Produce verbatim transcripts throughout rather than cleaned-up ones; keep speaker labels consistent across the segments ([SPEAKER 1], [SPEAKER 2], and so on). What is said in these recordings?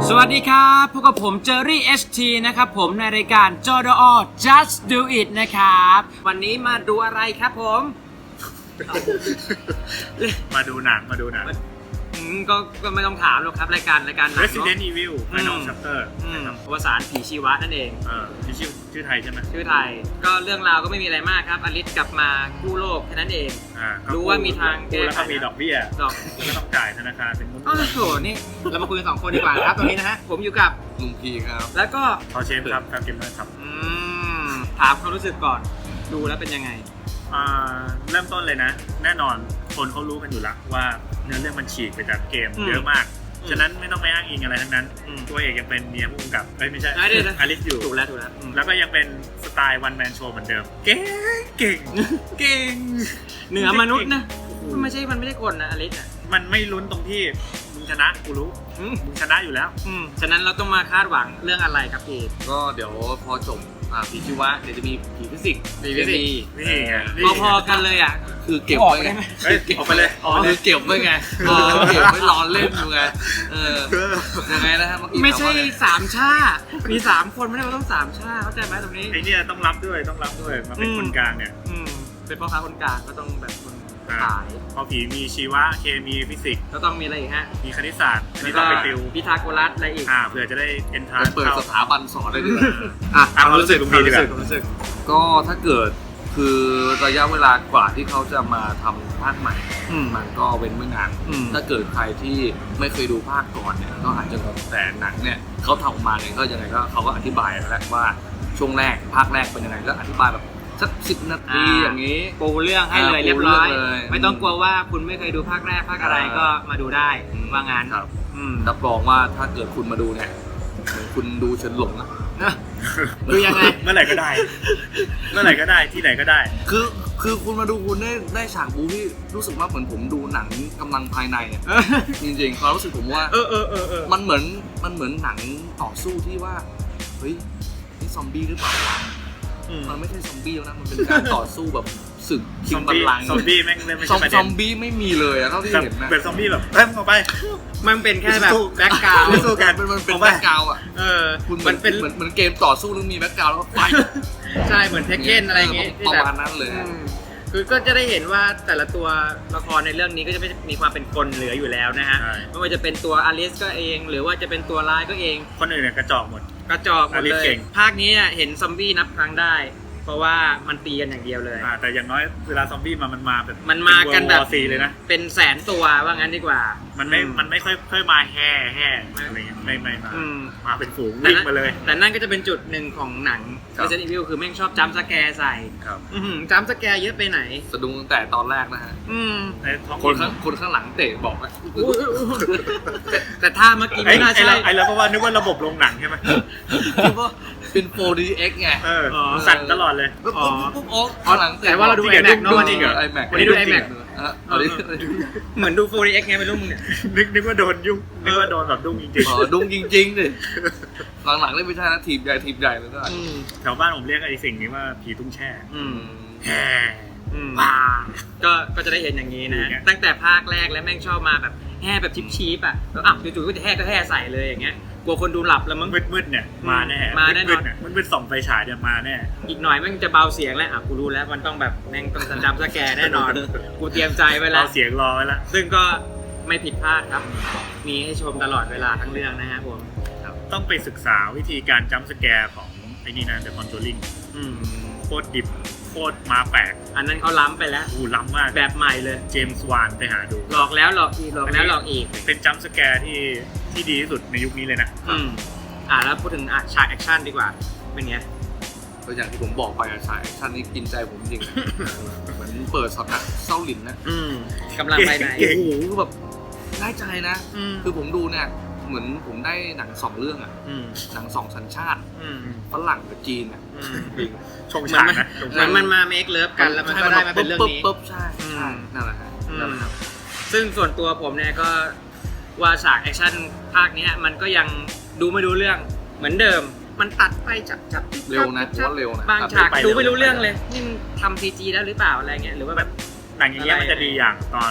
[SPEAKER 1] สวัสดีครับพบกับผมเจอรี่ เอช ที นะครับผมในรายการ จอ ดอ Just Do It นะครับวันนี้มาดูอะไรครับผม
[SPEAKER 2] มาดูหนังมาดูหนัง
[SPEAKER 1] ก็ก็ไม่ต้องถามหรอกครับรายการรายการหนัง
[SPEAKER 2] Resident Evil Final Chapter
[SPEAKER 1] อวสานผีชีวะนั่นเอง
[SPEAKER 2] เออชื่อชื่อไทยใช่ไหม
[SPEAKER 1] ชื่อไทยก็เรื่องราวก็ไม่มีอะไรมากครับอลิสกลับมากู้โลกแค่นั้นเองรู้ว่ามีทาง
[SPEAKER 2] แก้แล้วก็มีดอกเบี้ยดอกก็ต้องจ่ายธนาคารเป็นมุ้ง
[SPEAKER 1] โอ้โหนี่เรามาคุยกันสองคนดีกว่าครับตรงนี้นะฮะผมอยู่กับ
[SPEAKER 3] ลุงพีครับ
[SPEAKER 1] แล้วก็
[SPEAKER 2] พอเชฟครับครับเกมเมอร์ครับ
[SPEAKER 1] ถามความรู้สึกก่อนดูแล้วเป็นยังไง
[SPEAKER 2] เริ่มต้นเลยนะแน่นอนคนเขารู้กันอยู่แล้วว่าเนื้อเรื่องมันฉีกไปจากเกมเยอะมากฉะนั้นไม่ต้องไปอ้างอิงอะไรทั้งนั้นตัวเอกยังเป็นเมียผู้กำกับเอ้ยไม่ใช่อลิสอยู่
[SPEAKER 1] ถูกแล้วถูกแล้ว
[SPEAKER 2] แล้วก็ยังเป็นสไตล์วันแมนโชว์เหมือนเดิมเก่งเก่งเก่ง
[SPEAKER 1] เหนือมนุษย์นะมันไม่ใช่มันไม่ใช่คนนะอลิสอ่ะ
[SPEAKER 2] มันไม่ลุ้นตรงที่มึงชนะกูรู้มึงชนะอยู่แล้ว
[SPEAKER 1] ฉะนั้นเราต้องมาคาดหวังเรื่องอะไรครับพี่
[SPEAKER 3] ก็เดี๋ยวพอจบผีชีวะเดี๋ยวจะมีผีฟิสิกส์
[SPEAKER 1] ผีฟิสิกส์
[SPEAKER 2] นี่
[SPEAKER 1] พอๆกันเลยอ่ะ
[SPEAKER 3] คือเก็บไว้ไง
[SPEAKER 2] ออกไปเลย
[SPEAKER 3] อ๋อคือเก็บไว้ไงเออเก็บไว้รอเล่นอยู่ไงเออยังไงนะฮะ
[SPEAKER 1] ไม่ใช่สามชามีสามคนไม่ได้ว่าต้องสามชาเข้าใจไหมตรงนี้
[SPEAKER 2] ไอเนี่ยต้องรับด้วยต้องรับด้วยมาเป็นคนกลางเนี่ย
[SPEAKER 1] เป็นพ่อค้าคนกลางก็ต้องแบบคนขาย
[SPEAKER 2] พอผีมีชีวะเคมีฟิสิกส์
[SPEAKER 1] ก็ต้องมีอะไรอีกฮะ
[SPEAKER 2] มีคณิตศาสตร์
[SPEAKER 1] แล้วก็พิทาโกรัสอะไรอีก
[SPEAKER 2] อ่าเผื่อจะได้เอ็นทรานซ์
[SPEAKER 3] เปิดสถาบันสอนได้ด้วย
[SPEAKER 2] อ่ะความรู้สึกความรู้สึก
[SPEAKER 3] รู้สึกก็ถ้าเกิดคือระยะเวลากว่าที่เขาจะมาทำภาคใหม่มันก็เว้นไม่นานถ้าเกิดใครที่ไม่เคยดูภาคก่อนเนี่ยก็อาจจะงงแต่หนังเนี่ยเขาทำออกมาเนี่ยก็ยังไงก็เขาก็อธิบายแล้วว่าช่วงแรกภาคแรกเป็นยังไงก็อธิบายแบบสักสิบนาทีอย่างนี้
[SPEAKER 1] ปูเรื่องให้เลยเรียบร้อยไม่ต้องกลัวว่าคุณไม่เคยดูภาคแรกภาคอะไรก็มาดูได้ว่างั้น
[SPEAKER 3] ครับรับรองว่าถ้าเกิดคุณมาดูเนี่ยคุณดูเฉินหลงนะ
[SPEAKER 1] ดูยังไง
[SPEAKER 2] เมื่อไหร่ก็ได้เมื่อไหร่ก็ได้ที่ไหนก็ได้
[SPEAKER 3] คือคือคุณมาดูคุณได้ได้ฉากบู๊ที่รู้สึกว่าเหมือนผมดูหนังกำลังภายในอ่ะจริงๆความรู้สึกผมว่า
[SPEAKER 1] เออเออเออเออ
[SPEAKER 3] มันเหมือนมันเหมือนหนังต่อสู้ที่ว่าเฮ้ยนี่ซอมบี้หรือเปล่าวะมันไม่ใช่ซอมบี้แล้วนะมันเป็นการต่อสู้แบบศึกชิงบัลลังก์
[SPEAKER 2] ซอมบี้แม่งไม่ใช่ประเด็น
[SPEAKER 3] ซอมบี้ไม่มีเลยอะเท่าที่เห็นนะ
[SPEAKER 2] เป็นซอมบี้แบบเริ่มออกไป
[SPEAKER 1] มันเป็นแค่แบบแบ็คกราวด์
[SPEAKER 2] ไม่สู้กัน
[SPEAKER 3] มันเป็นแบ็คกราวด์อ่ะ
[SPEAKER 1] เออ
[SPEAKER 3] มันเป็นเหมือนเหมือนเกมต่อสู้แล้วมีแบ็คกราวด์แล้วก็ไป
[SPEAKER 1] ใช่เหมือนเทคเก้นอะไรอย่างเงี้ย
[SPEAKER 3] ประมาณนั้นเลย
[SPEAKER 1] คือก็จะได้เห็นว่าแต่ละตัวละครในเรื่องนี้ก็จะไม่มีความเป็นคนเหลืออยู่แล้วนะฮะไม่ว่าจะเป็นตัวอลิสก็เองหรือว่าจะเป็นตัวร้ายก็เอง
[SPEAKER 2] คนอื่นเนี่ยกระจอกหมด
[SPEAKER 1] กระจอกหมดเลยภาคนี้เห็นซอมบี้นับครั้งได้เพราะว่ามันตีกันอย่างเดียวเลย
[SPEAKER 2] แต่อย่างน้อยเวลาซอมบี้มามันมาแบบ
[SPEAKER 1] มันมากันแบบ
[SPEAKER 2] ซีเลยนะ
[SPEAKER 1] เป็นแสนตัวว่างั้นดีกว่า
[SPEAKER 2] มันไม่มันไม่ค่อยค่อยมาแห่แห่อะไรเงี้ยไม่ไม่มามาเป็นฝูงวิ่งมาเลย
[SPEAKER 1] แต่นั่นก็จะเป็นจุดหนึ่งของหนัง Resident Evil คือแม่งชอบจัมป์สแกร์ใส่
[SPEAKER 3] ครับ
[SPEAKER 1] จัมป์สแกร์เยอะไปไหน
[SPEAKER 3] สะดุ้งตั้งแต่ตอนแรกนะฮะคนข้างคนข้างหลังเตะบอกว่า
[SPEAKER 1] แต่ถ้าเมื่อกี้ไม่น่าใช่
[SPEAKER 2] ไอ้แล้วเพราะว่านึกว่าระบบโรงหนังใช่ไหม
[SPEAKER 3] คิดว่าเป็น โฟร์ ดี เอ็กซ์ ไง
[SPEAKER 2] สั่นตลอดเลย
[SPEAKER 3] ปุ๊บปุ๊บปุ๊บอ๋อหลัง
[SPEAKER 1] แต่ว่าเราดู iMac เนาะวันนี้เหรอ
[SPEAKER 3] iMac
[SPEAKER 1] วันนี้ดู iMac เหมือนดู โฟร์ ดี เอ็กซ์ ไงไม่รู้มึงเนี่ย
[SPEAKER 2] นึกนึกว่าโดนยุ่งนึกว่าโดนแบบดุ้งจริงๆ
[SPEAKER 3] อ๋อดุ้งจริงๆดิหลังๆเล่นไม่ใช่นะทีมใหญ่ทีมใหญ่เลยก็
[SPEAKER 2] แถวบ้านผมเรียกไอ้สิ่งนี้ว่าผีตุ้งแช่แห่
[SPEAKER 1] ว้าก็ก็จะได้เห็นอย่างนี้นะตั้งแต่ภาคแรกแล้วแม่งชอบมาแบบแห่แบบชิปๆอ่ะแล้วอ่ะจู่ๆก็จะแห่ก็แห่ใส่เลยอย่างเงี้ยกลัวคนดูหลับแล้วมั้ง
[SPEAKER 2] มืดๆเนี่ยมาแน่
[SPEAKER 1] มาแน่นอน
[SPEAKER 2] มันเป็นส่องไฟฉายเนี่ยมาแน่
[SPEAKER 1] อีกหน่อยแม่งจะเบาเสียงแล้วอ่ะกูรู้แล้วมันต้องแบบแม่งต้องจำสแกร์แน่นอนกูเตรียมใจไว้แล้ว
[SPEAKER 2] เบาเสียงรอไว้แล้ว
[SPEAKER 1] ซึ่งก็ไม่ผิดพลาดครับมีให้ชมตลอดเวลาทั้งเรื่องนะฮะผม
[SPEAKER 2] ต้องไปศึกษาวิธีการจัมป์สแกร์ของไอ้นี่นะ The Conjuring โคตรดิบโคตรมาแปลก
[SPEAKER 1] อันนั้นเขาล้ำไปแล้ว
[SPEAKER 2] อู้ล้ำมาก
[SPEAKER 1] แบบใหม่เลย
[SPEAKER 2] เจมส์วานไปหาดู
[SPEAKER 1] หลอกแล้วหลอกอีกหลอกแล้วหลอกอีก
[SPEAKER 2] เป็นจัมป์สแกร์ที่ที่ดีที่สุดในยุคนี้เลยนะ
[SPEAKER 1] อืมอ่าแล้วพูดถึงอ่ะฉากแอคชั่นดีกว่าเป็นไง
[SPEAKER 3] ก็อย่างที่ผมบอกไปอ่ะฉากแอคชั่นนี้กินใจผมจริงเหมือนเปิดช็อตนะเศร้าหลินนะ
[SPEAKER 1] กำลังภายใน
[SPEAKER 3] โอ้โหคือแบบได้ใจนะคือผมดูเนี่ยเหมือนผมได้หนังสองเรื่องอ่ะหนังสองสัญชาติฝรั่งกับจีนอ่ะ
[SPEAKER 2] ชงฉากนะ
[SPEAKER 1] มันมันมาเมคเลิฟกันแล้วมันก็ได้มาเป็นเรื่องนี้
[SPEAKER 3] ปุ๊บใช่ใช่นั่นแหละครับนั่นแหละครับ
[SPEAKER 1] ซึ่งส่วนตัวผมเนี่ยก็ว่าฉากแอคชั่นภาคนี้มันก็ยังดูไม่รู้เรื่องเหมือนเดิมมันตัดไปจับจับ
[SPEAKER 3] เร็วนะเพราะเร็วนะ
[SPEAKER 1] บางฉากดูไม่รู้เรื่องเลยนี่ทำซีจีแล้วหรือเปล่าอะไรเงี้ยหรือว่าแบบ
[SPEAKER 2] หนังอย่างเงี้ยมันจะดีอย่างตอน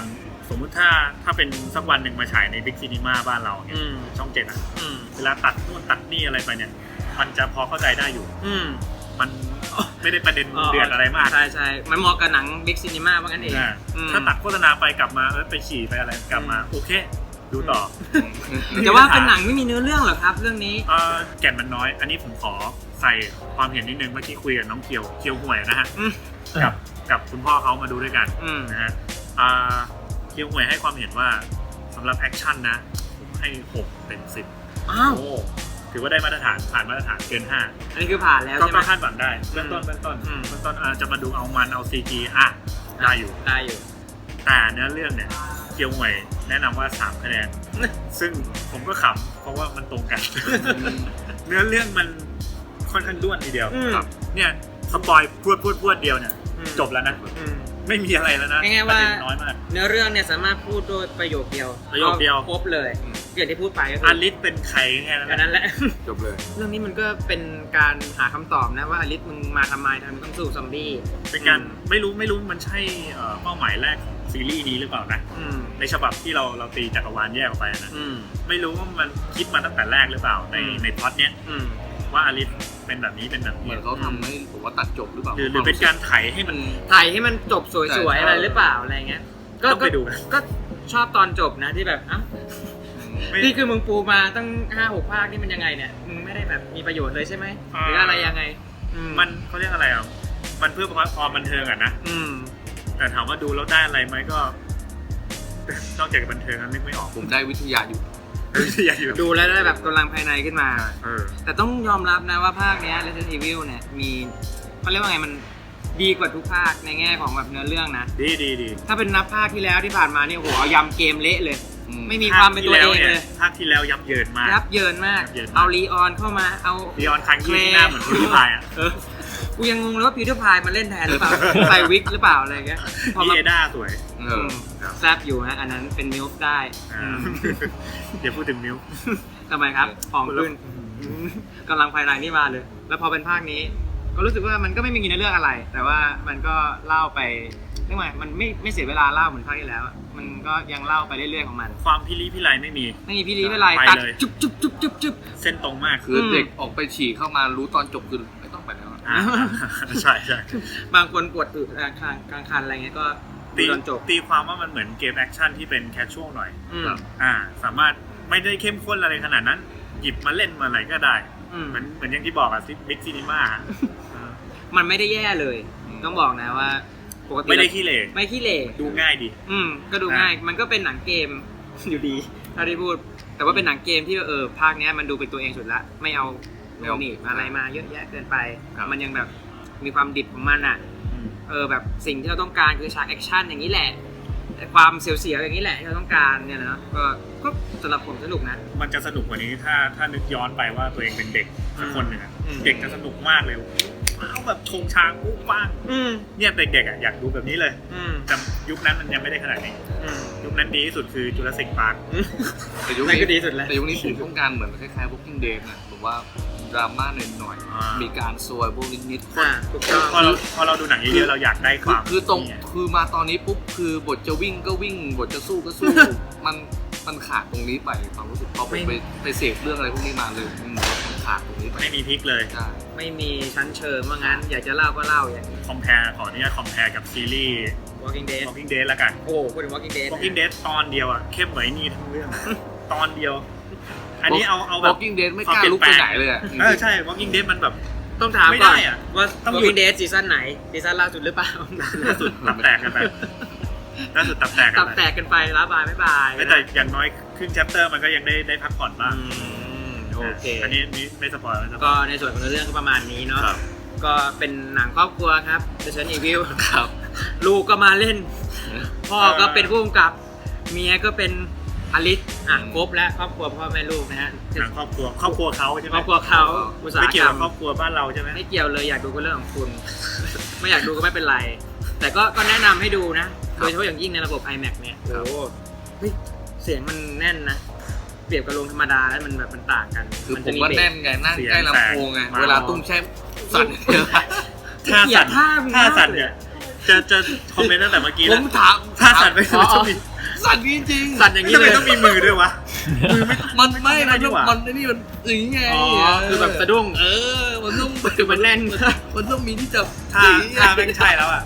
[SPEAKER 2] สมมุติถ้าถ้าเป็นสักวันหนึ่งมาฉายในบิ๊กซีนีมาบ้านเราเนี่ย
[SPEAKER 1] อืม
[SPEAKER 2] ช่องเจ็ดอ่ะ
[SPEAKER 1] อืม
[SPEAKER 2] เวลาตัดนู่นตัดนี่อะไรไปเนี่ยมันจะพอเข้าใจได้อยู่
[SPEAKER 1] อืม
[SPEAKER 2] มันไม่ได้ประเด็นเดือดอะไรมาก
[SPEAKER 1] ใช่ใช่มันเหมาะกับหนังบิ๊กซีนีมาว่างั้นเอง
[SPEAKER 2] อ่า
[SPEAKER 1] อืม
[SPEAKER 2] ถ้าตัดโฆษณาไปกลับมาเออไปฉี่ไปอะไรกลับมาโอเค ดูต่อ
[SPEAKER 1] แต่ว่าเป็นหนังไม่มีเนื้อเรื่องเหรอครับเรื่องนี้
[SPEAKER 2] เอ่อแก่นมันน้อย อันนี้ผมขอใส่ความเห็นนิดนึงเมื่อกี้คุยกับน้องเคียวเคียวห่วยนะฮะ
[SPEAKER 1] อืม
[SPEAKER 2] กับกับคุณพ่อเขามาดูด้วยกัน
[SPEAKER 1] อืม
[SPEAKER 2] นะฮะอ่าเคียวห่วยให้ความเห็นว่าสำหรับแอคชั่นนะผมให้หกเต็มสิบ
[SPEAKER 1] อ้าว
[SPEAKER 2] โอ้ถือว่าได้มาตรฐานผ่านมาตรฐานเกินห้า
[SPEAKER 1] อันนี้คือผ่านแล้ว
[SPEAKER 2] ก็
[SPEAKER 1] ใช่ไหม
[SPEAKER 2] ก็คาดหวังได้เบื้องต้นเบื้องต้น
[SPEAKER 1] อืม
[SPEAKER 2] เบื้องต้นอ่าจะมาดูเอามันเอาซีจีอ่ะได้อยู่
[SPEAKER 1] ได้อยู่
[SPEAKER 2] แต่เนื้อเรื่องเนี่ยเคียวห่วยแนะนำว่าสามคะแนน ซึ่งผมก็ขำเพราะว่ามันตรงกัน เนื้อเรื่องมันค่อนข้างด้วนทีเดียว
[SPEAKER 1] อืม
[SPEAKER 2] ครับเนี่ยสปอยพรวดพรวดพรวดเดียวเนี่ย
[SPEAKER 1] อืม
[SPEAKER 2] จบแล้วนะ
[SPEAKER 1] อืม
[SPEAKER 2] ไม่มีอะไรแล้วนะ
[SPEAKER 1] ง่ายๆ
[SPEAKER 2] ประ
[SPEAKER 1] ว่า
[SPEAKER 2] เด็นน้อยมาก
[SPEAKER 1] เนื้อเรื่องเนี่ยสามารถพูดโดยประโยคเดียว
[SPEAKER 2] ประโยคเดียว
[SPEAKER 1] ครบเลยอย่างที่พูดไปก็คื
[SPEAKER 2] อา
[SPEAKER 1] อ
[SPEAKER 2] ลิสเป็นใครแค่นั้น
[SPEAKER 1] แค่
[SPEAKER 2] นะ
[SPEAKER 1] นั้นแหละ
[SPEAKER 3] จบเลย
[SPEAKER 1] เรื่องนี้มันก็เป็นการหาคำตอบนะว่าอลิสมึงมาทำไมทำไมต้องสู้ซอมบี้
[SPEAKER 2] เป็นการไม่รู้ไม่รู้มันใช่เอ่อเป้าหมายแรกของซีรีส์นี้หรือเปล่านะ
[SPEAKER 1] อืม
[SPEAKER 2] ในฉบับที่เราเราตีจักรวาลแยกออกไปนะ
[SPEAKER 1] อืม
[SPEAKER 2] ไม่รู้ว่ามันคิดมาตั้งแต่แรกหรือเปล่าใน
[SPEAKER 1] อืม
[SPEAKER 2] ในพล็อตเนี้ย
[SPEAKER 1] อืม
[SPEAKER 2] ว่าอาลิสเป็นแบบนี้เป็นแบบ
[SPEAKER 3] เหมื
[SPEAKER 2] นี้
[SPEAKER 3] อนเขาทำให้ผมว่าตัดจบหรือเปล่า
[SPEAKER 2] หรือหรือเป็นการไถให้มัน
[SPEAKER 1] ถ่ายให้มันจบสวย
[SPEAKER 3] ใช่
[SPEAKER 1] ๆอะไรหรือเปล่าอะไรเงี้ย ก็
[SPEAKER 2] ต้องไปดูนะ
[SPEAKER 1] ก็ชอบตอนจบนะที่แบบเอ้า
[SPEAKER 2] ไม่
[SPEAKER 1] นี่คือมึงปูมาตั้งห้าหกภาคนี่มันยังไงเนี่ยมึงไม่ได้แบบมีประโยชน์เลยใช่ไหมหรืออะไรยังไงอื
[SPEAKER 2] มันเขาเรียกอะไรอ่ะมันเพื่อความบันเทิงอ่ะนะ
[SPEAKER 1] อืม
[SPEAKER 2] แต่ถามว่าดูแล้วได้อะไรไหมก็ นอกจากบันเทิงนั้นนึกไม่ออก
[SPEAKER 3] ผมได้วิทยาอยู่
[SPEAKER 2] อยากอยู่
[SPEAKER 1] ดูแล้วได้แบบกำลังภายในขึ้นมา
[SPEAKER 2] เออ
[SPEAKER 1] แต่ต้องยอมรับนะว่าภาคเนี้ย Resident Evil เนี่ยมีเขาเรียกว่าไงมันดีกว่าทุกภาคในแง่ของแบบเนื้อเรื่องนะ
[SPEAKER 2] ดีดีดี
[SPEAKER 1] ถ้าเป็นนับภาคที่แล้วที่ผ่านมานี่โอ้โหเอายำเกมเละเลย
[SPEAKER 3] อืม
[SPEAKER 1] ไม่มีความเป็นตัวเองเลย
[SPEAKER 2] ภาคที่แล้วยับเยินมาก
[SPEAKER 1] ยับเยินมาก
[SPEAKER 2] ยับเยินมาก
[SPEAKER 1] เอาลีออนเข้ามาเอา
[SPEAKER 2] ลีออนคังยี่ที่หน้าเหมือนพิวพายอ่ะ
[SPEAKER 1] เออกูยังงงเลยว่าพีเตอร์พายมาเล่นแทนหรือเปล่า ใส่วิกหรือเปล่าอะไรเงี้ยพอ
[SPEAKER 2] พี่
[SPEAKER 1] มา
[SPEAKER 2] เอด้าสวย
[SPEAKER 3] เอ
[SPEAKER 1] อื
[SPEAKER 3] อ
[SPEAKER 1] มแซบอยู่ฮะอันนั้นเป็นมิลฟ์ได้
[SPEAKER 2] อ่า
[SPEAKER 1] อืม
[SPEAKER 2] เดี๋ยวพูดถึงมิว
[SPEAKER 1] ทำไมครับของขึ้นอืมกำลังภายในนี่มาเลย แล้วพอเป็นภาคนี้ ก็รู้สึกว่ามันก็ไม่มีเนื้อเรื่องอะไร แต่ว่ามันก็เล่าไปเรียกว่ามันไม่ไม่เสียเวลาเล่าเหมือนภาคที่แล้วอะมันก็ยังเล่าไปเรื่อยๆของมัน
[SPEAKER 2] ความพิลีพิไลไม่มี
[SPEAKER 1] ไม่มีพี่ลีไม่ไร
[SPEAKER 2] ไป
[SPEAKER 1] ตัด
[SPEAKER 2] เลย
[SPEAKER 1] จุ๊บจุ๊บจุ๊บจุ๊บจุ๊บ
[SPEAKER 2] เส้นตรงมาก
[SPEAKER 3] คือเด็กออกไปฉี่เข้ามารู้ตอนจบคือไม่ต้องไปแล้วอะ
[SPEAKER 2] อ่าใช่ใช่
[SPEAKER 1] บางคนปวดอึกลางคันกลางคันอะไรเงี้ยก็
[SPEAKER 2] ตี
[SPEAKER 1] ดูตอนจบ
[SPEAKER 2] ตีความว่ามันเหมือนเกมแอคชั่นที่เป็นแคชชวลหน่อย
[SPEAKER 1] อืม
[SPEAKER 3] ครับ
[SPEAKER 2] อ่า สามารถไม่ได้เข้มข้นอะไรขนาดนั้น หยิบมาเล่นมาอะไรก็ได้
[SPEAKER 1] อืม
[SPEAKER 2] เหมือนเหมือนอย่างที่บอกอะบิ๊กซีนีมา
[SPEAKER 1] มันไม่ได้แย่เลย ต้องบอกนะว่าปกติ
[SPEAKER 2] ไม่ได้ขี้เหร่
[SPEAKER 1] ไม่ขี้เหร่
[SPEAKER 2] ดูง่ายดี
[SPEAKER 1] อืมก็ดูง่าย มันก็เป็นหนังเกม อยู่ดีถ้าได้พูด แต่ว่าเป็นหนังเกมที่เออภาคเนี้ยมันดูเป็นตัวเองสุดละ ไม่เอา
[SPEAKER 3] ไม่เอา
[SPEAKER 1] หนีบอะไรมาเยอะแยะเกินไป
[SPEAKER 3] ครับ
[SPEAKER 1] มันยังแบบมีความดิบของมันอ่ะ เออแบบสิ่งที่เราต้องการคือฉากแอคชั่นอย่างนี้แหละแต่ความเสียวๆอย่างนี้แหละที่เราต้องการเนี่ยนะก็ก็สำหรับผมสนุกนะ
[SPEAKER 2] มันจะสนุกกว่านี้ถ้าถ้านึกย้อนไปว่าตัวเองเป็นเด็กสักคนหนึ่งอะ
[SPEAKER 1] อืม
[SPEAKER 2] เด็กจะสนุกมากเลยว้าวแบบชงชางปุ๊บปัง
[SPEAKER 1] อืม
[SPEAKER 2] เนี่ยเด็กๆอะอยากดูแบบนี้เลย
[SPEAKER 1] อืม
[SPEAKER 2] แต่ยุคนั้นมันยังไม่ได้ขนาดนี้
[SPEAKER 1] อืม
[SPEAKER 2] ยุคนั้นดีที่สุดคือจุลศิลป์พาร์ค
[SPEAKER 3] แต่ยุค
[SPEAKER 1] นั่น
[SPEAKER 3] นี้
[SPEAKER 1] ก็ดีสุดแล้ว
[SPEAKER 3] แต่ยุคนี้ผมต้องการเหมือนคล้ายๆ Walking Dead นะผมว่าดราม่าหน่อย
[SPEAKER 2] อ่า
[SPEAKER 3] ๆมีการซวยพวกนิดๆ
[SPEAKER 1] อ่าถูกต้อง
[SPEAKER 2] พอเราพอเราดูหนังเยอะๆเราอยากได้ค
[SPEAKER 3] คือ
[SPEAKER 2] วาม
[SPEAKER 3] คือตรง
[SPEAKER 2] เนี่ย
[SPEAKER 3] คือมาตอนนี้ปุ๊บคือบทจะวิ่งก็วิ่งบทจะสู้ก็สู้ มันมันขาดตรงนี้ไปความรู้สึกพอผมไปไปเสพเรื่องอะไรพวกนี้มาเลยอืมมันขาดตรงนี้ไป
[SPEAKER 2] ไม่มีพลิกเลย
[SPEAKER 3] ใช่
[SPEAKER 1] ไม่มีชั้นเชิงว่างั้น อยากจะเล่าก็เล่าอย่างนี้
[SPEAKER 2] คอมเพลขออนุญาตคอมเพลกับซีรีส์
[SPEAKER 1] Walking Dead
[SPEAKER 2] Walking Dead ละกัน
[SPEAKER 1] โอ้พูดถึง Walking Dead นะ
[SPEAKER 2] Walking Dead ตอนเดียวอ่ะเข้มเหมือนไอ้นี่ทั้งเรื่อง ตอนเดียว อันนี้เอาเอาแบบ
[SPEAKER 3] Walking Dead ไม่กล้าลุกไปไหนเลยอะ
[SPEAKER 2] เออใช่ Walking Dead มันแบบ
[SPEAKER 1] ต้องถาม
[SPEAKER 2] ไม่
[SPEAKER 1] ก่อน
[SPEAKER 2] ได้อะ
[SPEAKER 1] ว่า
[SPEAKER 2] ต้องหยุด
[SPEAKER 1] Walking Dead ซีซั่นไหนซีซั่นล่าสุดหรือเปล่า
[SPEAKER 2] ล่าสุดตับแตกกันไปล่าสุดตับแตกกั
[SPEAKER 1] ตั
[SPEAKER 2] น
[SPEAKER 1] บ
[SPEAKER 2] ไป
[SPEAKER 1] แตกกันไปลาบายไม่บาย
[SPEAKER 2] แต่อย่างน้อยครึ่ง chapter มันก็ยังได้ได้พักผ่อนบ้าง
[SPEAKER 1] อืมโอเค
[SPEAKER 2] อันนี้นี่ไม่สปอยล์ไม่สป
[SPEAKER 1] ก็
[SPEAKER 2] อยล์
[SPEAKER 1] ในส่วนของเรื่องก็ประมาณนี้เนาะ
[SPEAKER 3] ครับ
[SPEAKER 1] ก็เป็นหนังครอบครัวครับ Resident Evil
[SPEAKER 3] ครับ
[SPEAKER 1] ลูกก็มาเล่น พ่อก็เป็นผู้กำกับ เมียก็เป็นอลิสอ่ะครบแล้วครอบครัวพ่อแม่ลูกนะฮะ
[SPEAKER 2] หนังครอบครัวครอบครัวเขาใช่ไหม
[SPEAKER 1] ครอบครัวเขาอุตสาห
[SPEAKER 2] ไม่
[SPEAKER 1] ก
[SPEAKER 2] เกี่ย
[SPEAKER 1] ร
[SPEAKER 2] ว
[SPEAKER 1] ร
[SPEAKER 2] กับ
[SPEAKER 1] ม
[SPEAKER 2] ครอบครัวบ้านเราใช่ไหม
[SPEAKER 1] ไม่เกี่ยวเลยอยากดูก็เรื่องของคุณ ไม่อยากดูก็ไม่เป็นไร แต่ก็ก็แนะนำให้ดูนะ โดยเฉพาะอย่างยิ่งในระบบ ไอแม็กซ์ เนี่ย
[SPEAKER 3] ครับ
[SPEAKER 1] โอ้โหเฮ้ยเสียงมันแน่นนะ เปรียบกับโรงธรรมดาแล้วมันแบบมันต่างกัน
[SPEAKER 3] คือผม
[SPEAKER 1] จะ
[SPEAKER 3] ว่า
[SPEAKER 1] เบส
[SPEAKER 3] แน่นไงนั่งใกล้ลำโพงไงเวลาตุ้มแช่สั่น
[SPEAKER 2] ท่า
[SPEAKER 1] อย่า
[SPEAKER 2] สั่น
[SPEAKER 1] ท่ามึง
[SPEAKER 2] ท่าสั่น
[SPEAKER 1] มากเลย
[SPEAKER 2] เนี่ยจะจะคอมเมนต์ตั้งแต่เมื่อกี้
[SPEAKER 3] ผ
[SPEAKER 2] แล้ว
[SPEAKER 3] มถาม
[SPEAKER 2] ท่าสั่นไป
[SPEAKER 1] อ๋อ
[SPEAKER 2] จะมี
[SPEAKER 3] สั่นจริงๆ
[SPEAKER 1] สั่นอย่างนี้
[SPEAKER 2] ทำ
[SPEAKER 1] เล
[SPEAKER 2] ไม
[SPEAKER 1] ย
[SPEAKER 2] ต้องมีมือด้วยวะมือไม่
[SPEAKER 3] มันไม่
[SPEAKER 2] ไม่ได้
[SPEAKER 3] มัน
[SPEAKER 2] ดี
[SPEAKER 3] ต้อง
[SPEAKER 2] กว่า
[SPEAKER 3] มันไอ้นี่มันอย่างงี้ไง
[SPEAKER 1] อ๋อคือแบบสะดุ้ง
[SPEAKER 3] เออมันต้อง
[SPEAKER 1] คือมันแน่น
[SPEAKER 3] มันต้องมีที่จับ
[SPEAKER 2] ถ้า
[SPEAKER 3] อย่างงี้
[SPEAKER 2] ถ้าแม่งใช่แล้วอ่ะ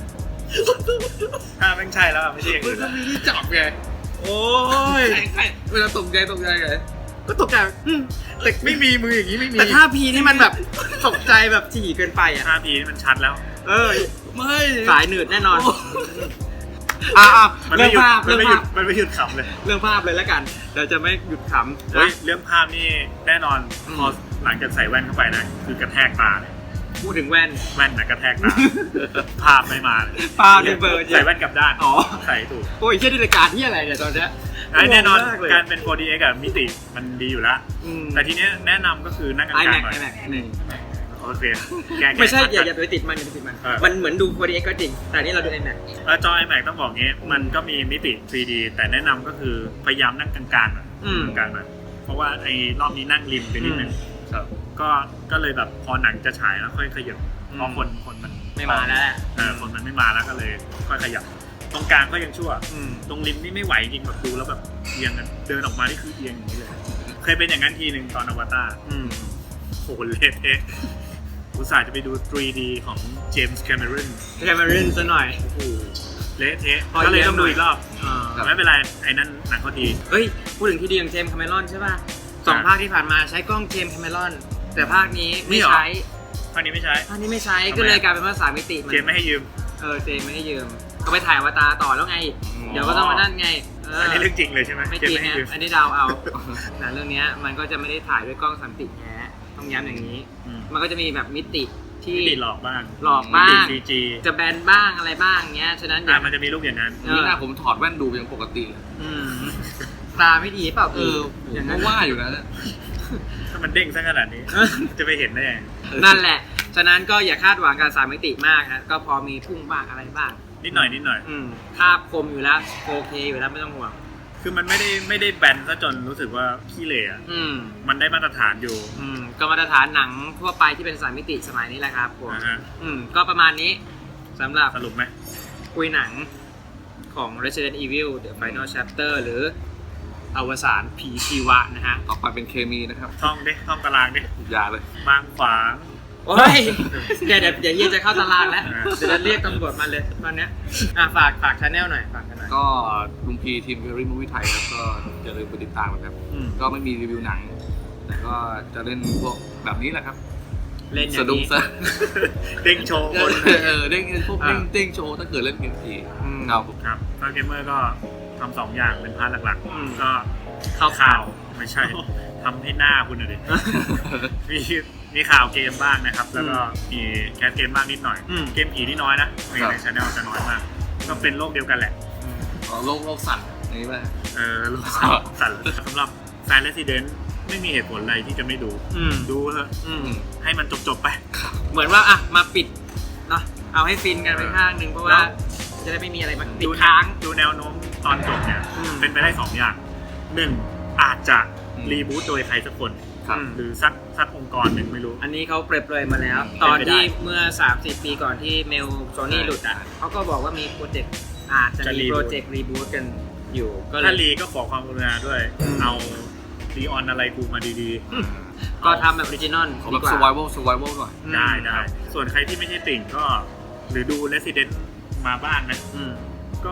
[SPEAKER 2] ถ้าแม่งใช่แล้วอะไม่ใช่อย่าง
[SPEAKER 3] มัน
[SPEAKER 2] อื่น
[SPEAKER 3] ต้อ
[SPEAKER 2] ละ
[SPEAKER 3] งมีที่จับไง
[SPEAKER 2] โอ้ย
[SPEAKER 3] ใช่ใช่เวลาตกใจตกใจไง
[SPEAKER 1] ก็ตกใจอืม
[SPEAKER 2] แต่ไม่มีมืออย่างนี้ไม่มี
[SPEAKER 1] แต่ท่าพีนี่มันแบบตกใจแบบถี่เกินไปอ่ะ
[SPEAKER 2] ท่าพีนี่มันชัดแล้ว
[SPEAKER 1] เออ
[SPEAKER 3] ไม่
[SPEAKER 1] สายหนืดแน่นอน
[SPEAKER 3] โ
[SPEAKER 1] อ่า
[SPEAKER 2] มัน
[SPEAKER 1] เรื่อ
[SPEAKER 2] ไม่
[SPEAKER 1] ง
[SPEAKER 2] หยุด
[SPEAKER 1] ภาพ
[SPEAKER 2] มัน
[SPEAKER 1] เรื่อง
[SPEAKER 2] ไม่หยุ
[SPEAKER 1] ภา
[SPEAKER 2] ด
[SPEAKER 1] พ
[SPEAKER 2] มันไม่หยุดขำเลย
[SPEAKER 1] เรื่องภาพเลยแล้วกันเราจะไม่หยุดขำ
[SPEAKER 2] เฮ้ย
[SPEAKER 1] นะ
[SPEAKER 2] เรื่องภาพนี่แน่นอน
[SPEAKER 1] อืม
[SPEAKER 2] พอหลังจากใส่แว่นเข้าไปนะคือกระแทกตาเลย
[SPEAKER 1] พูดถึงแว่น
[SPEAKER 2] แว่นนะกระแทกตา ภาพไม่มาเลย
[SPEAKER 1] ภาพนี่เบลอจริง
[SPEAKER 2] ใส่แว่นกลับด้าน
[SPEAKER 1] อ๋อ
[SPEAKER 2] ใส่ถูก
[SPEAKER 1] โอ้ยเชี่ยนี่รายการที่อะไรเนี่ยตอนเนี้ย
[SPEAKER 2] ไอ้แน่นอน
[SPEAKER 1] งงมเลย
[SPEAKER 2] การเป็น โฟร์ ดี เอ็กซ์ อะมิติมันดีอยู่แล้ว
[SPEAKER 1] อืม
[SPEAKER 2] แต่ทีเนี้ยแนะนำก็คือนั่งกลาง
[SPEAKER 1] ไอแม็ก
[SPEAKER 2] ๆหน่อย
[SPEAKER 1] ไอแม็ก
[SPEAKER 2] โอเคแก้ๆ
[SPEAKER 1] ไม่ใช่อย่า
[SPEAKER 2] ขัดๆ
[SPEAKER 1] อย่าไปติดมันอย่าไปติดมัน
[SPEAKER 2] เออ
[SPEAKER 1] มันเหมือนดู โฟร์ ดี เอ็กซ์ ก็จริง แต่อันนี่เราดู iMac
[SPEAKER 2] แล้วจอ iMac ต้องบอกงี้มันก็มีมิติ ทรี ดี แต่แนะนำก็คือพยายามนั่งกลางๆหน่อย
[SPEAKER 1] อืม
[SPEAKER 2] กลางๆหน่อยเพราะว่าไอ้รอบนี้นั่งริมไปนิดนึง
[SPEAKER 1] อืม
[SPEAKER 2] ครับก็ก็เลยแบบพอหนังจะฉายแล้วค่อยขยับ
[SPEAKER 1] อืม
[SPEAKER 2] เพราะคนคนมัน
[SPEAKER 1] ไม่มาแล้วแหละ
[SPEAKER 2] เออคนมันไม่มาแล้วก็เลยค่อยขยับ ตรงกลางก็ยังชั่ว
[SPEAKER 1] อืม
[SPEAKER 2] ตรงริมนี่ไม่ไหวจริงแบบดูแล้วแบบเอียงกันเดินออกมานี่คือเอียงอย่างนี้เลย เคยเป็นอย่างนั้นทีหนึ่งตอนอวตาร
[SPEAKER 1] อืม
[SPEAKER 2] โอ้โหเละเทะอุตส่าห์จะไปดู ทรี ดี ของเจมส์แคมเมรอน
[SPEAKER 1] แคมเมรอนซะหน่อย
[SPEAKER 2] โอ้โหเละเทะ
[SPEAKER 1] พอ
[SPEAKER 2] ก็เลย
[SPEAKER 1] เอียง
[SPEAKER 2] ต้องดูอีกรอบ
[SPEAKER 1] อ่า
[SPEAKER 2] แต่ไม่เป็นไรไอ้นั่นหนังเขาดี
[SPEAKER 1] เฮ้ย พูดถึงที่ดีของเจมส์แคมเมรอนใช่ป่ะสอง
[SPEAKER 2] อ่า
[SPEAKER 1] ภาคที่ผ่านมาใช้กล้องเจมส์แคมเมรอน แต่ภาคนี้
[SPEAKER 2] นี่
[SPEAKER 1] ไม่
[SPEAKER 2] เหรอ
[SPEAKER 1] ใช้
[SPEAKER 2] ภาคนี้ไม่ใช้
[SPEAKER 1] ภาคนี้ไม่ใช้
[SPEAKER 2] ทำไม
[SPEAKER 1] ก็เลยกลายเป็นว่าสามมิติมัน
[SPEAKER 2] เจมส์ไม่ให้ยืม
[SPEAKER 1] เออเจมส์ไม่ให้ยืม ก็ไปถ่ายอวตารต่อแล้วไง เดี๋ยวก็ต้องมานั่นไงเออ
[SPEAKER 2] อันนี้เรื่องจริงเลยใช่ไหม
[SPEAKER 1] ไม่
[SPEAKER 2] เจ
[SPEAKER 1] จ
[SPEAKER 2] ม
[SPEAKER 1] ริ
[SPEAKER 2] ส์
[SPEAKER 1] ง
[SPEAKER 2] ไม่ให้
[SPEAKER 1] นะ
[SPEAKER 2] ยืม
[SPEAKER 1] อันนี้เดาเอาหนังเรื่องเนี้ยมันก็จะไม่ได้ถ่ายด้วยกล้องสามมิติแท้ต้องย้ำอย่างนี้
[SPEAKER 2] อืม
[SPEAKER 1] มันก็จะมีแบบมิติที่
[SPEAKER 2] มิติหลอกบ้าง
[SPEAKER 1] หลอกบ้าง
[SPEAKER 2] มิติ ซี จี
[SPEAKER 1] จะแบนบ้างอะไรบ้างเงี้ยฉะนั้นอ
[SPEAKER 2] อ่ะ
[SPEAKER 1] ย่า
[SPEAKER 2] มันจะมีรูปอย่างนั้น
[SPEAKER 1] เออ
[SPEAKER 3] นี่หน้าผมถอดแว่นดูยังปกติเลย
[SPEAKER 1] อืมตาไม่ดีเปล่า
[SPEAKER 3] เออผม
[SPEAKER 1] อย่าง
[SPEAKER 3] ก็
[SPEAKER 1] นั้น
[SPEAKER 3] ว่าอยู่นะเนี่ย
[SPEAKER 2] ถ้ามันเด้งซะขนาดนี้ จะไปเห็นได้ยังไง
[SPEAKER 1] นั่นแหละ ฉะนั้นก็อย่าคาดหวังการสามมิติมากฮะก็พอมีพุ่งบ้างอะไรบ้าง
[SPEAKER 2] นิดหน่อยนิดหน่อย
[SPEAKER 1] อืมภาพคมอยู่แล้วโอเคอยู่แล้วไม่ต้องห่วง
[SPEAKER 2] คือมันไม่ได้ไม่ได้แบนซะจนรู้สึกว่าขี้เหร่อะ
[SPEAKER 1] อืม
[SPEAKER 2] มันได้มาตรฐานอยู่
[SPEAKER 1] อืมก็มาตรฐานหนังทั่วไปที่เป็นสามมิติสมัยนี้แหละครับผม
[SPEAKER 2] นะฮะ
[SPEAKER 1] อืมก็ประมาณนี้สำหรับ
[SPEAKER 2] สรุปไหม
[SPEAKER 1] คุยหนังของ Resident Evil The Final Chapter หรืออวสานผีชีวะนะฮะ
[SPEAKER 3] ต่อไปเป็นเคมีนะครับ
[SPEAKER 2] ท่องดิท่องตารางดิ
[SPEAKER 3] อย่าเลย
[SPEAKER 2] บางขวาง
[SPEAKER 1] โอ้ยเดี๋ยวเดี๋ยวเดี๋ยวเฮียจะเข้าตารางแล้ว
[SPEAKER 2] อ่า
[SPEAKER 1] เดี๋ยวจะเรียกตำรวจมาเลยตอนเนี้ยอ่ะฝากฝากชาแนลหน่อยฝากกันหน่อย
[SPEAKER 3] ก็ลุงพีทีมเวอรี่มูวี่ไทยครับก็อย่าลืมไปติดตามนะครับ
[SPEAKER 1] อืม
[SPEAKER 3] ก็ไม่มีรีวิวหนัง แต่ก็จะเล่นพวกแบบนี้แหละครับ
[SPEAKER 1] เล่นอย่า
[SPEAKER 3] สะ
[SPEAKER 1] ง
[SPEAKER 3] ดุ้ง
[SPEAKER 1] นี้
[SPEAKER 3] ซะ
[SPEAKER 2] เด้งโชว์คน
[SPEAKER 3] เออเด้งพวกเด้งเด้งโชว์ถ้าเกิดเล่นเกมผี
[SPEAKER 1] อืม
[SPEAKER 3] ครับผม
[SPEAKER 2] ครับก็เกมเมอร์ก็ทำสองอย่างเป็นพาร์ทหลัก
[SPEAKER 1] อืม
[SPEAKER 2] ๆ ก็
[SPEAKER 1] เข้า
[SPEAKER 2] ข่า
[SPEAKER 1] ข่าว ว
[SPEAKER 2] ไม่ใช่ทำให้หน้าคุณหน่อยดิ มีมีข่าวเกมบ้างนะครับ แล้วก็มีแคสเกมบ้างนิดหน่อย
[SPEAKER 1] อืม
[SPEAKER 2] เกมผีที่น้อยนะในในช anel จะน้อยมาก ก็เป็นโลกเดียวกันแหละ
[SPEAKER 3] อ๋อโลกโลกสั่นอย่างนี้ป่ะ
[SPEAKER 2] เออโลกสั่นสั่นสำหรับแฟน Resident ไม่มีเหตุผลอะไรที่จะไม่ดู
[SPEAKER 1] อืม
[SPEAKER 2] ดูเถอะ
[SPEAKER 1] อืม
[SPEAKER 2] ให้มันจบๆไป
[SPEAKER 1] เหมือนว่าอ่ะมาปิดเนาะเอาให้ฟินกันไปข้างหนึ่งเพราะว่า
[SPEAKER 2] แล้ว
[SPEAKER 1] จะได้ไม่มีอะไรมาติด
[SPEAKER 2] ดู
[SPEAKER 1] ค้าง
[SPEAKER 2] ดูแนวโน้มตอนจบเนี่ย
[SPEAKER 1] อืม
[SPEAKER 2] เป็นไปได้สองอย่างหนึ่งอาจจะรีบูตโดยใครสักคน
[SPEAKER 3] ครับ
[SPEAKER 2] หรือสักสักองค์กรหนึ่งไม่รู้
[SPEAKER 1] อันนี้เขาเปรยๆมาแล้ว
[SPEAKER 2] เป็นไปได้
[SPEAKER 1] ตอนที่เมื่อ สามสิบ ปีก่อนที่เมลโซนี่หลุดอ่ะเขาก็บอกว่ามีโปรเจกต์อาจจะ
[SPEAKER 2] จะ
[SPEAKER 1] มี
[SPEAKER 2] reboot
[SPEAKER 1] โปรเจกต์รีบูตกันอยู่ก็เล
[SPEAKER 2] ถ้าย รีก็ขอความกรุณาด้วย
[SPEAKER 1] อืม
[SPEAKER 2] เอารีออนอะไรกูมาดี
[SPEAKER 1] ก็ทำแบบออริจินอล
[SPEAKER 3] ขอ
[SPEAKER 1] ดี
[SPEAKER 3] แบบ
[SPEAKER 1] กว่า
[SPEAKER 3] survival survival หน่อย
[SPEAKER 1] อืม
[SPEAKER 2] ๆ ได้ได้ส่วนใครที่ไม่ใช่ติ่งก็ หรือดู Resident มาบ้างนะ
[SPEAKER 1] อืม
[SPEAKER 2] ก็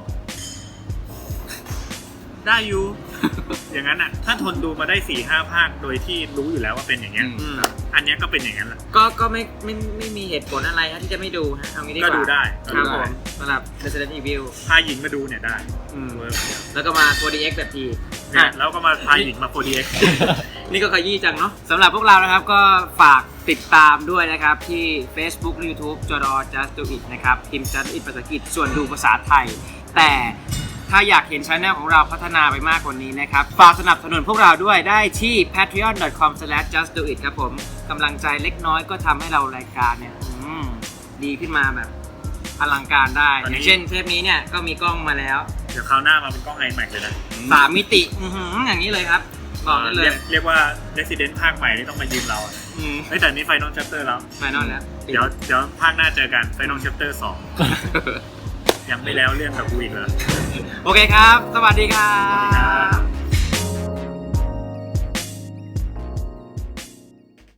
[SPEAKER 2] ได้อยู่ อย่างนั้นอ่ะ ถ้าทนดูมาได้สี่ห้าภาคโดยที่รู้อยู่แล้วว่าเป็นอย่างเงี้ย
[SPEAKER 3] อืม
[SPEAKER 2] อันเนี้ยก็เป็นอย่างนั้นแหละ
[SPEAKER 1] ก็ก็ไม่ไม่ไม่มีเหตุผลอะไรฮะที่จะไม่ดูฮะเอางี้ดีก
[SPEAKER 2] ก็
[SPEAKER 1] ว่า
[SPEAKER 2] ดูได้
[SPEAKER 1] ครับ
[SPEAKER 3] ดู
[SPEAKER 1] ผ
[SPEAKER 3] ได้
[SPEAKER 1] มสำหรับ Resident Evil
[SPEAKER 2] พาหญิงมาดูเนี่ยได้
[SPEAKER 1] อืม
[SPEAKER 2] เวิร์ก
[SPEAKER 1] แล้วก็มา โฟร์ ดี เอ็กซ์ แบบที
[SPEAKER 2] เนี่ยแล้วก็มาพาหญิงมา โฟร์ ดี เอ็กซ์
[SPEAKER 1] นี่ก็ขยี้จังเนาะสำหรับพวกเรานะครับก็ฝากติดตามด้วยนะครับ ที่ Facebook และ YouTube จอดอ just do it นะครับพิมพ์ just do it ภาษาอังกฤษส่วนดูภาษาไทย แต่ถ้าอยากเห็นช anel ของเราพัฒนาไปมากกว่านี้นะครับ ฝากสนับสนุนพวกเราด้วยได้ที่ แพทรีออน ดอท คอม สแลช จัสต์ ดู อิท ครับผมกำลังใจเล็กน้อยก็ทำให้เรารายการเนี่ยอืมดีขึ้นมาแบบอลังการได้
[SPEAKER 2] ตอน
[SPEAKER 1] อ
[SPEAKER 2] นี้
[SPEAKER 1] ย่างเช่นเทปนี้เนี่ยก็มีกล้องมาแล้ว
[SPEAKER 2] เดี๋ยวคราวหน้ามาเป็นกล้อง iMac เลยนะ
[SPEAKER 1] สามมิติอื้อหืออย่างนี้เลยครับบอกได้เล
[SPEAKER 2] เรี
[SPEAKER 1] ย
[SPEAKER 2] ยกเรียกว่า Resident ภาคใหม่นี่ต้องมายืมเราอะ
[SPEAKER 1] อืม
[SPEAKER 2] เฮ้ยแต่นี่ Final Chapter แล้ว
[SPEAKER 1] ไฟนอลแล้ว
[SPEAKER 2] เดี๋ยวเดี๋ยวภาคหน้าเจอกัน Final Chapter สองยังไม่แล้วเรื่องกับกูอีกเหรอ
[SPEAKER 1] โอเคครับ สวัสดีครั
[SPEAKER 2] สวัสดีครับ บ